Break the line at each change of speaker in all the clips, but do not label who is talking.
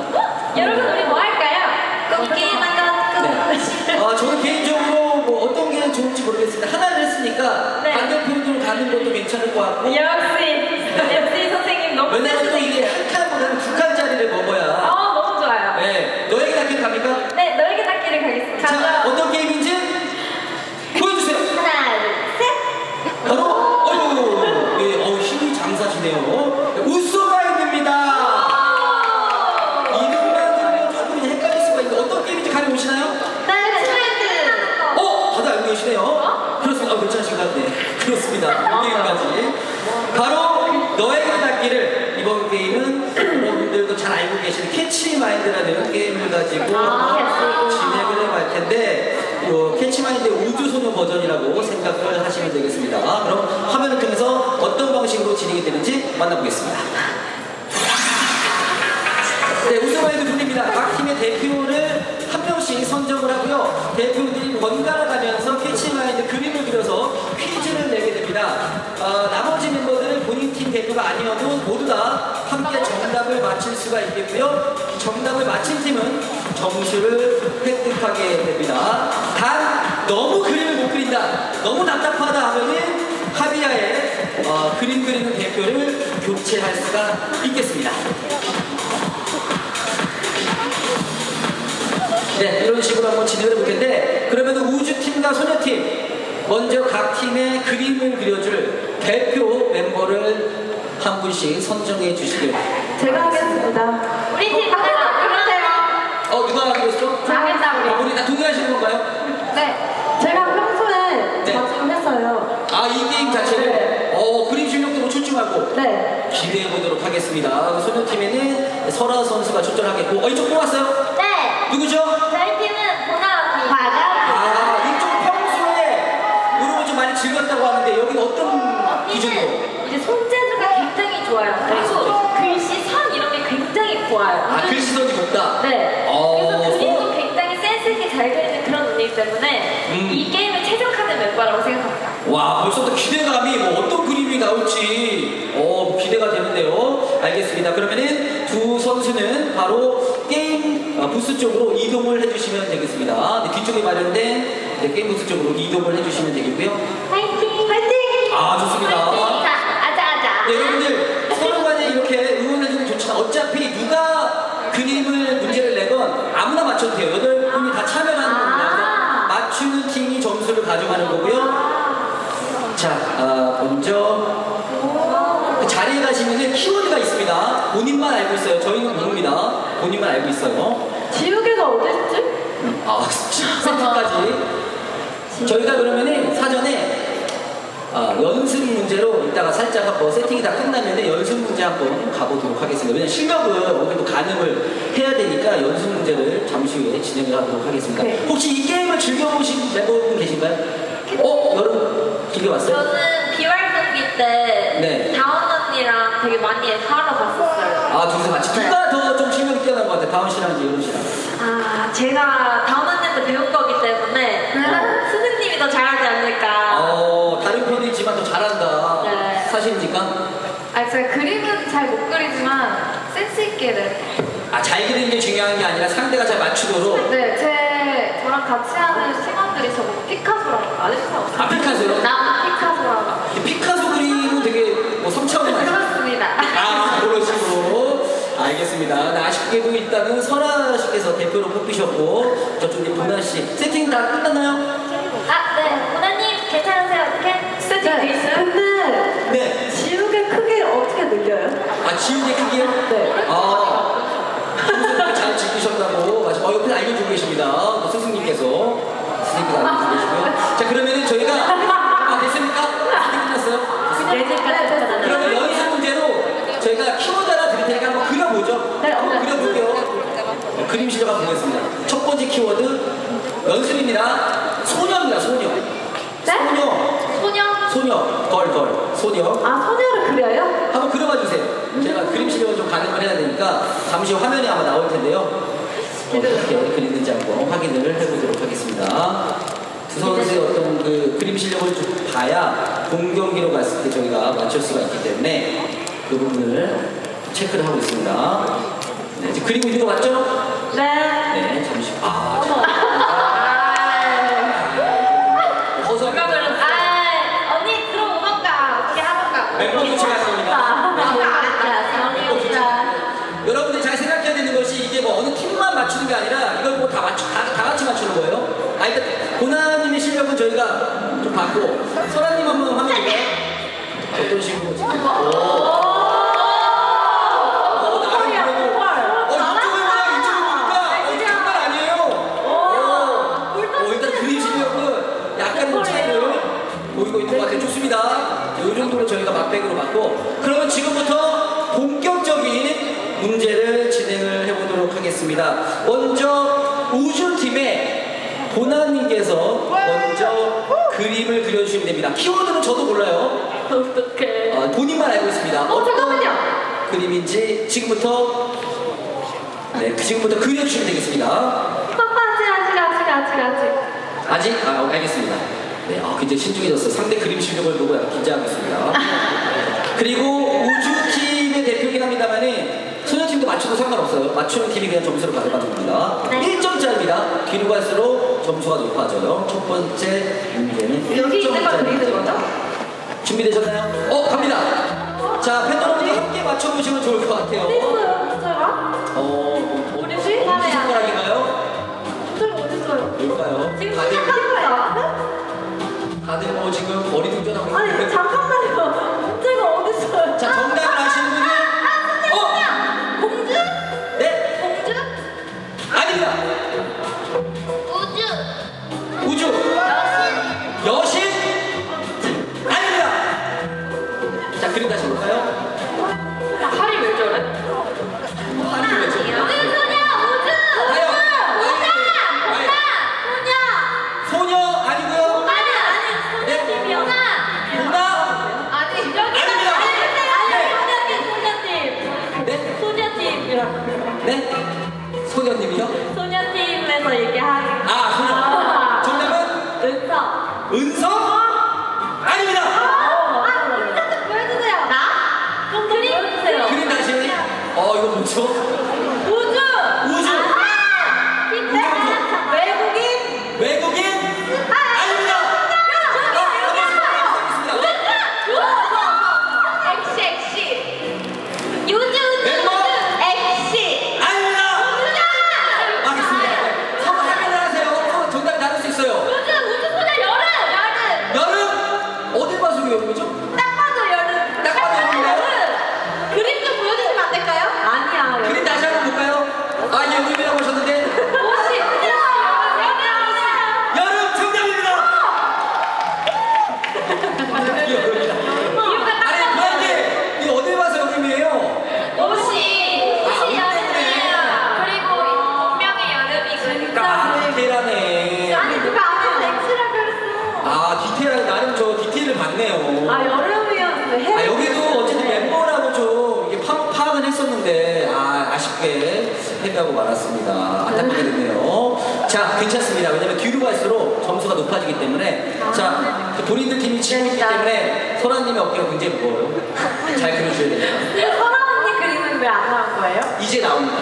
여러분 우리 뭐 할까요? 꿈기만 갖고.
네. 저는 개인적으로 뭐 어떤 게 좋을지 모르겠습니다. 하나를 했으니까
네.
반대편으로 가는 것도 괜찮을 것 같고.
역시 선생님 너무
왜냐면 또 이게
센스있게.
한 칸보다는 두 칸짜리를 먹어야.
너무 좋아요.
네. 너에게 닿기를 갑니까?
네, 너에게 닿기를 가겠습니다.
자, 어떤 게임인지 보여주세요.
하나, 둘, 셋.
바로 힘이 장사시네요. 우소마인드입니다. 이름만 들으면 조금 헷갈릴 수가 있는데 어떤 게임인지 감이 오시나요? 다들 알고 계시네요. 그렇습니다. 괜찮으신가요? 네, 그렇습니다. 이 게임까지. 바로 너에게 닿기를. 이번 게임은 여러분들도 잘 알고 계시는 캐치마인드라는 게임을 가지고 진행을 해볼 텐데 캐치마인드의 우주소녀 버전이라고 생각을 하시면 되겠습니다. 그럼 화면을 통해서 어떤 방식으로 진행이 되는지 만나보겠습니다. 네, 우주마인드 분입니다. 각 팀의 대표를 한 명씩 선정을 하고요. 대표들이 번갈아 가면서 캐치마인드 그림을 그려서 퀴즈를 내게 됩니다. 나머지 멤버들은 본인 팀 대표가 아니어도 모두 다 함께 정답을 맞힐 수가 있겠고요. 정답을 맞힌 팀은 점수를 획득하게 됩니다. 단 너무 그림을 못 그린다, 너무 답답하다 하면은 합의하에 그림 그리는 대표를 교체할 수가 있겠습니다. 네, 이런 식으로 한번 진행을 해볼 텐데, 그러면 우주팀과 소녀팀 먼저 각 팀의 그림을 그려줄 대표 멤버를 한 분씩 선정해 주시길.
제가 하겠습니다. 우리 팀 하나 그러세요.
누가 그렸어?
저 하겠다, 우리.
우리 다 동의하시는 건가요?
네. 제가 평소에
네.
자주 했어요.
이 게임 자체를?
네.
그림 실력도 뭐 출중하고.
네.
기대해 보도록 하겠습니다. 소녀팀에는 설아 선수가 출전하겠고, 이쪽 뽑았어요?
네.
누구죠?
저희 팀은 보나 과감.
이쪽 평소에 이런 거 좀 많이 즐겼다고 하는데, 여기는 어떤 기준으로?
이제 손재주가 굉장히 좋아요. 그리고 글씨 선 이런 게 굉장히 좋아요.
글씨선이 높다?
네. 그래서 그림도 굉장히 센스 있게 잘 그리는 그런 분이기 때문에 이 게임에 최적화된 멤버라고 생각합니다.
와, 벌써부터 기대감이 어떤 그림이 나올지 기대가 되는데요. 알겠습니다. 그러면은 두 선수는 바로 게임 부스 쪽으로 이동을 해주시면 되겠습니다. 네, 뒤쪽에 마련된 게임 부스 쪽으로 이동을 해주시면 되겠고요.
화이팅! 화이팅!
좋습니다.
아자.
네, 여러분들 서로 간에 이렇게 응원해주면 좋지만 어차피 누가 그림을 문제를 내건 아무나 맞춰도 돼요. 8분이 다 참여하는 겁니다. 그래서 맞추는 팀이 점수를 가져가는 거고요. 자, 먼저 그 자리에 가시면은 키워드가 있습니다. 본인만 알고 있어요. 저희는 모릅니다. 본인만 알고 있어요.
지우개가 어딨지?
세트까지. 저희가 그러면은 사전에 연습 문제로 이따가 살짝 한번 세팅이 다 끝나면은 연습 문제 한번 가보도록 하겠습니다. 왜냐면 실력을 어느 정도 가늠을 해야 되니까 연습 문제를 잠시 후에 진행을 하도록 하겠습니다.
네.
혹시 이 게임을 즐겨보신 멤버분 계신가요? 여러분 즐겨봤어요?
저는 비활동기 때
네.
다운 언니랑 되게 많이 하러 갔었어요.
둘이서 같이.
네.
누가 더 좀 실력이 뛰어난 것 같아요? 다운 씨랑 이제 여름 씨랑.
제가 다운 언니한테 배운 거기 때문에 스승님이 더 잘하지 않을까.
다른 편이지만 더 잘한다.
네.
사실입니까?
제가 그림은 잘 못 그리지만 센스 있게
잘 그리는 게 중요한 게 아니라 상대가 잘 맞추도록.
네, 저랑 같이 하는 팀원들이 저보고 피카소라고 아시죠?
피카소요?
남 피카소라고.
피카소 그림은 되게 성차원 아니에요?
그렇습니다.
그런 식으로. 알겠습니다. 아쉽게도 일단은 설아 씨께서 대표로 뽑히셨고, 저쪽에 보나 씨. 세팅 다 끝났나요?
네. 보나님 괜찮으세요? 어떻게? 세팅 돼 있어요?
근데
네.
지우개 크기 어떻게 늘려요?
지우개 크기요?
네.
선생님께 잘 지키셨다고. 옆에 알려주고 계십니다. 스승님께서 알려주고 계시고요. 자, 그러면은 저희가 됐습니까? 끝났어요? 그러면 연습 문제로 저희가 키워드 하나 드릴 테니까 한번 그려보죠.
네,
한번 그려볼게요. 그림 실력 한번 보겠습니다. 첫 번째 키워드 연습입니다. 소녀입니다. 소녀. 소녀. 걸. 소녀.
소녀를 그려요?
한번 그려봐 주세요. 제가 그림 실력을 좀 가늠을 해야 되니까 잠시 후 화면에 아마 나올 텐데요. 어떻게 그리는지 한번 확인을 해보도록 하겠습니다. 두 선수의 어떤 그 그림 실력을 좀 봐야 본 경기로 갔을 때 저희가 맞출 수가 있기 때문에 그 부분을 체크를 하고 있습니다. 네, 그리고 있는 거 맞죠?
네.
네, 잠시. 아,
어머.
허서
언니 들어오던가 어떻게 하던가.
멤버 교체할 겁니다. 여러분들 잘 생각해야 되는 것이 이게 뭐 어느 팀만 맞추는 게 아니라 이걸 뭐 다 같이 맞추는 거예요. 아, 일단 고나님의 실력은 저희가 좀 봤고 설아님 한번 화면 볼까요? 어떤 식으로 지금? 장난 아니에요. 일단 그림 실력은 약간의 차이를 보이고 있는 것 같아요. 좋습니다. 이 정도로 저희가 맛백으로 맞고 그러면 지금부터 본격적인 문제를 진행을 해보도록 하겠습니다. 먼저 우주팀의 보나님께서 먼저 그림을 그려주시면 됩니다. 키워드는 저도 몰라요.
어떡해.
본인만 알고 있습니다.
잠깐만요.
그림인지 지금부터 지금부터 그려주시면 되겠습니다. 아직? 알겠습니다. 네, 굉장히 신중해졌어요. 상대 그림 실력을 보고 약간 긴장하고 있습니다. 그리고 우주팀의 대표긴 합니다만은 소녀팀도 맞춰도 상관없어요. 맞추는 팀이 그냥 점수를 가져가는 겁니다.
네.
1점짜리입니다. 뒤로 갈수록 점수가 높아져요. 첫 번째 문제는
여기 있는 걸
1점짜리.
그리는 거죠?
준비되셨나요? 갑니다. 자, 팬 여러분들 함께 맞춰보시면 좋을 것 같아요.
어디 있어요, 숫자가?
우리
어디 손가락인가요?
숫자가 어디 있어요?
뭘까요?
지금
다들,
숫자가
다들 뭐 지금 머리 등전하고
아니,
있는데.
잠깐만요. 숫자가 어디 있어요?
자, 정답을 아시는 분이
공주?
네?
공주?
아닙니다.
우주?
우주. 여신? 아닙니다. 자, 그림 다시 볼까요?
팔이 왜 저래?
한줄 외쳐. 소녀 아니고요. 네? 소녀님이요?
소녀팀에서 얘기하는
소녀. 정답은
은서.
은서? 아닙니다. 그림 다시. 이거 뭐죠?
우주.
우주. 외국인? 아닙니다. 아닙니다. 알겠습니다. 서로 확인을 하세요. 정답이 다를 수 있어요. 여름? 어딜 봐서 여름이죠? 딱 봐도 여름인가요?
그림 좀 보여주시면 안 될까요?
아니야.
그림 다시 한번 볼까요? 예, 여름이라고 하셨는데
옷이
여름 정답입니다. 여름이다. 아니, 고양이 이거 어딜 봐서 여름이에요?
옷이 여름이야. 그리고 분명히 여름이니까.
디테일하네.
아니, 누가 앞에서 X라 그랬어.
디테일하게 나름 저 디테일을 봤네요.
여름이었는데
여기도 어쨌든 멤버라고 좀 이게 파악은 했었는데 아쉽게 패배하고 말았습니다. 안타깝게 됐네요. 자, 괜찮습니다. 왜냐면 뒤로 갈수록 점수가 높아지기 때문에 그 본인들 팀이 치고 있기 때문에 소라님의 어깨가 굉장히 무거워요. 잘 그려줘야 됩니다.
설아 언니 그림은 왜 안 나온 거예요?
이제 나옵니다.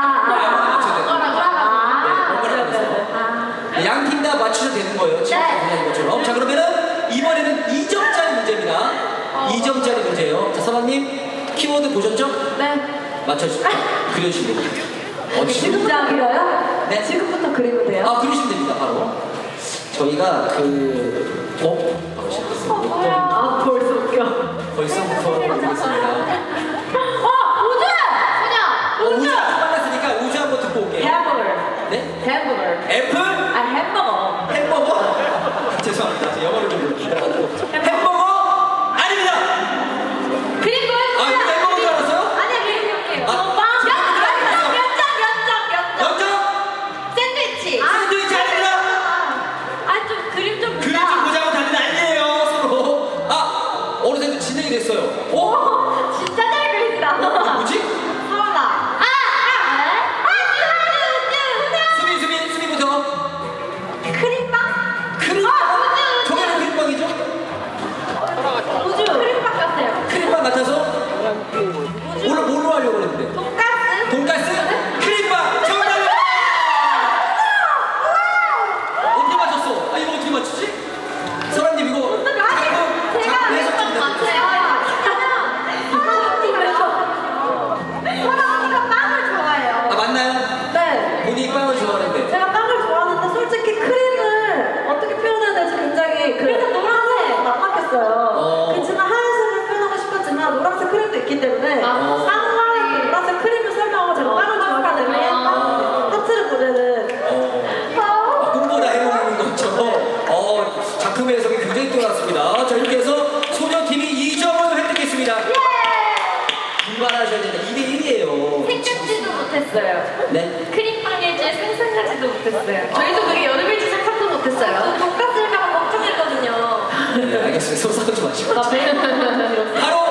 양 팀 다 맞추셔도 되는 거예요. 지금 그냥 것처럼. 자, 그러면은 이번에는 2점짜리 문제입니다. 2점짜리 문제예요. 자, 설아님 키워드 보셨죠?
네.
맞춰주세요. 그려주시면 됩니다. 어디
지금부터 그려요?
네.
지금부터 그리면 돼요?
그러시면 됩니다. 바로 저희가 바로 시작했어요.
벌써 웃겨.
벌써부터 보겠습니다.
우주.
우주 빨랐으니까 우주 한번 듣고 올게요.
햄버거.
네?
햄버거.
애플?
햄버거.
햄버거? 죄송합니다. 저 영어를 좀 햄버거? 아닙니다.
그림 보여주세요.
이거 햄버거인 줄 알았어요?
아니야, 그림 볼게요.
연정?
샌드위치.
샌드위치 아닙니다.
좀 그림 좀
그림 좀 보자고 다들 난리예요 서로. 어느새 진행이 됐어요.
진짜 잘
네.
크림빵일 줄 상상하지도 못했어요. 저희도 그게 여름일 줄 상상도 못했어요. 돈가스일까봐 걱정했거든요.
네, 알겠습니다. 속상하지 마시고.
나 매일
바로